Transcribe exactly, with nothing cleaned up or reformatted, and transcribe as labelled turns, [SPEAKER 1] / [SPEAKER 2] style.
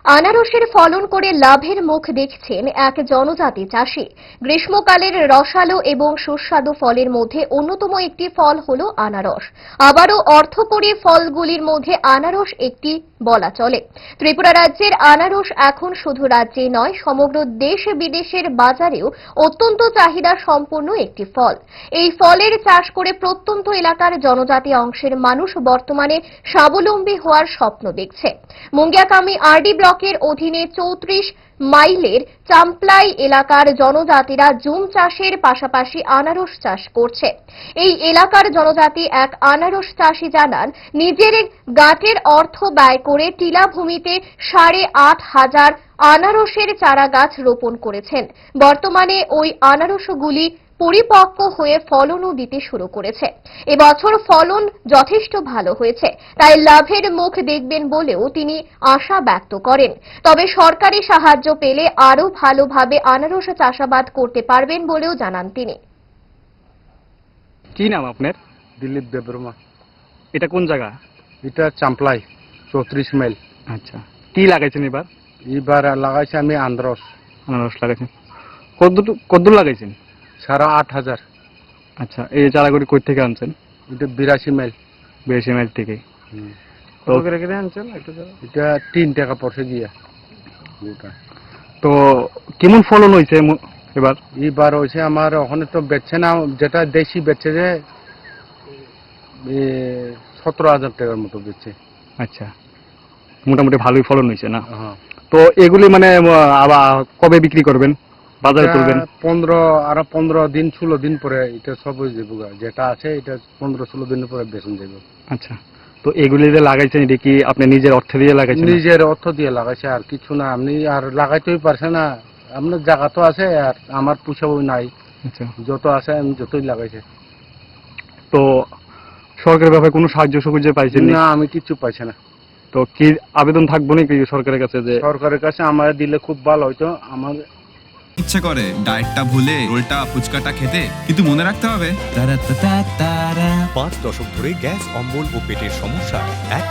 [SPEAKER 1] আনারসের ফলন করে লাভের মুখ দেখছেন এক জনজাতি চাষী। গ্রীষ্মকালের রসালো এবং সুস্বাদু ফলের মধ্যে অন্যতম একটি ফল হলো আনারস। আবারও অর্থকরী ফলগুলির মধ্যে আনারস একটি বলা চলে। ত্রিপুরা রাজ্যের আনারস এখন শুধু রাজ্যে নয়, সমগ্র দেশ বিদেশের বাজারেও অত্যন্ত চাহিদা সম্পন্ন একটি ফল। এই ফলের চাষ করে প্রত্যন্ত এলাকার জনজাতি অংশের মানুষ বর্তমানে স্বাবলম্বী হওয়ার স্বপ্ন দেখছে। মুঙ্গিয়াকামি আরডি ব্লকের অধীনে চৌত্রিশ মাইলের চাম্পলাই এলাকার জনজাতিরা জুম চাষের পাশাপাশি আনারস চাষ করছে। এই এলাকার জনজাতি এক আনারস চাষী জানান, নিজের গাঁটের অর্থ ব্যয় করে টিলা ভূমিতে সাড়ে আট হাজার আনারসের চারা গাছ রোপণ করেছেন। বর্তমানে ওই আনারসগুলি পরিপক্ক হয়ে ফলনও দিতে শুরু করেছে। এবছর ফলন যথেষ্ট ভালো হয়েছে, তাই লাভের মুখ দেখবেন বলেও তিনি আশা ব্যক্ত করেন। তবে সরকারি সাহায্য পেলে আরও ভালোভাবে আনারস চাষাবাদ করতে পারবেন বলেও জানান তিনি।
[SPEAKER 2] কি নাম আপনার?
[SPEAKER 3] দিলীপ দেববর্মা।
[SPEAKER 2] এটা কোন জায়গা?
[SPEAKER 3] এটা চাম্পলাই, চৌত্রিশ মাইল।
[SPEAKER 2] আচ্ছা, কি লাগাইছেন এবার?
[SPEAKER 3] এবার লাগাইছি আমি আনারস।
[SPEAKER 2] আনারস লাগাইছেন কদ্দুর কদ্দুর লাগাইছেন?
[SPEAKER 3] সাড়ে আট হাজার।
[SPEAKER 2] আচ্ছা, এই চারাগুলি কই থেকে আনছেন?
[SPEAKER 3] এটা বিরাশি মাইল।
[SPEAKER 2] বিরাশি মাইল থেকে।
[SPEAKER 3] তো আনছেন এটা তিন টাকা পড়ছে গিয়া।
[SPEAKER 2] তো কেমন ফলন হয়েছে এবার?
[SPEAKER 3] এবার হয়েছে আমার ওখানে তো বেচছে না, যেটা দেশি বেচছে যে সতেরো হাজার টাকার মতো বেচছে।
[SPEAKER 2] আচ্ছা, মোটামুটি ভালোই ফলন হয়েছে না?
[SPEAKER 3] হ্যাঁ।
[SPEAKER 2] তো এগুলি মানে আবার কবে বিক্রি করবেন, বাজারে তুলবেন?
[SPEAKER 3] পনেরো আরো পনেরো দিন ষোলো দিন পরে এটা সব হয়ে যাবো, যেটা আছে এটা পনেরো ষোলো দিনের পরে বেচন যাবে।
[SPEAKER 2] আচ্ছা, তো এগুলি যে লাগাইছেন এটা কি আপনি নিজের অর্থ দিয়ে লাগাইছেন?
[SPEAKER 3] নিজের অর্থ দিয়ে লাগাইছে, আর কিছু না। আপনি আর লাগাইতেই পারছে না, আপনার জায়গা তো আছে আর আমার পুষাবো নাই।
[SPEAKER 2] আচ্ছা,
[SPEAKER 3] যত আছে আমি যতই লাগাইছে।
[SPEAKER 2] তো সরকারের ব্যাপারে কোনো সাহায্য সুবিধা পাইছেন
[SPEAKER 3] না? আমি কিছু পাইছি না।
[SPEAKER 2] তো কি আবেদন থাকবো নাকি সরকারের কাছে যে
[SPEAKER 3] সরকারের কাছে আমার দিলে খুব ভালো হইতো। আমার
[SPEAKER 4] ইচ্ছে করে ডায়েটটা ভুলে রোলটা ফুচকাটা খেতে, কিন্তু মনে রাখতে হবে
[SPEAKER 5] পাঁচ দশক ধরে গ্যাস, অম্বল ও পেটের সমস্যা এক